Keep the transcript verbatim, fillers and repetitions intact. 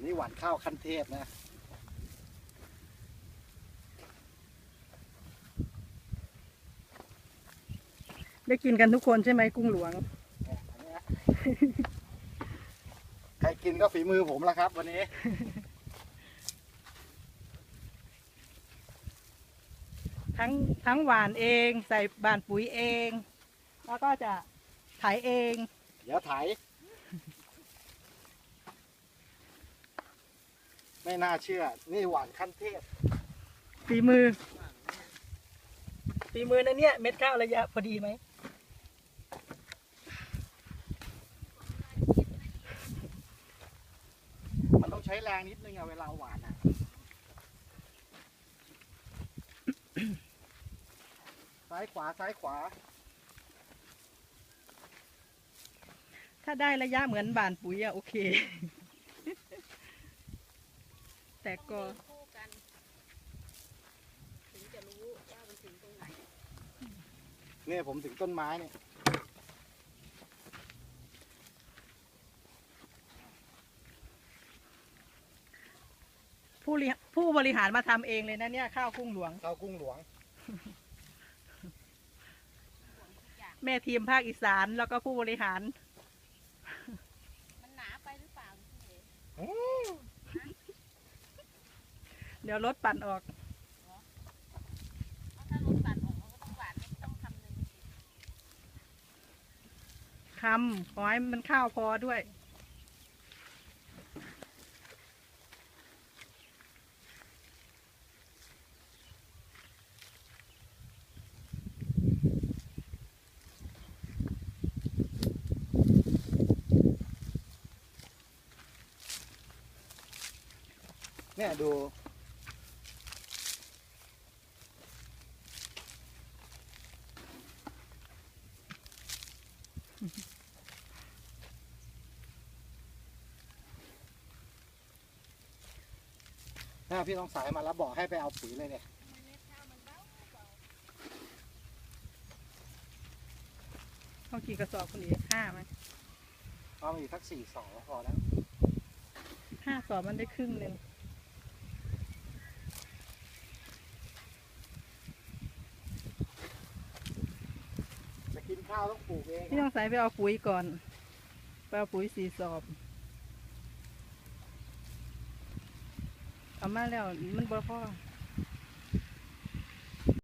นี่หวานข้าวขั้นเทพนะได้กินกันทุกคนใช่ไหมกุ้งหลวงใครกินก็ฝีมือผมแล้วครับวันนี้ทั้งทั้งหวานเองใส่บานปุ๋ยเอง แล้วก็จะไถเองเดี๋ยวไถไม่น่าเชื่อนี่หวานขั้นเทพฝีมือฝีมือนะเนี่ยเม็ดข้าวระยะพอดีไหมมันต้องใช้แรงนิดนึงอะเวลาหวานอะซ้ายขวาซ้ายขวาถ้าได้ระยะเหมือนบานปุ๋ยอะโอเค แต่ก็คู่กันถึงจะรู้ว่ามันถึงตรงไหนเนี่ยผมถึงต้นไม้เนี่ยผู้ริผู้บริหารมาทำเองเลยนะเนี่ยข้าวกุ้งหลวงข้าวกุ้งหลวงแม่ทีมภาคอีสานแล้วก็ผู้บริหารมันหนาไปหรือเปล่าพี่เอ๋เดี๋ยวรถปั่นออกเพราะถ้ารถตัดออกเราก็ต้องหวานไม่ต้องทำเลยคำขอให้มันข้าวพอด้วยเนี่ยดูถ้าพี่ต้องสายมาแล้วบอกให้ไปเอาปุ๋ยเลยเนี่ยต้องกี่กระสอบคนนี้ห้าไหมเอามาอีกสักสี่สองพอแล้วห้าสอบมันได้ครึ่งหนึ่งจะกินข้าวต้องปลูกเองพี่ต้องใส่ไปเอาปุ๋ยก่อนไปเอาปุ๋ยสี่สอบเอามาแล้วมันบ่พอ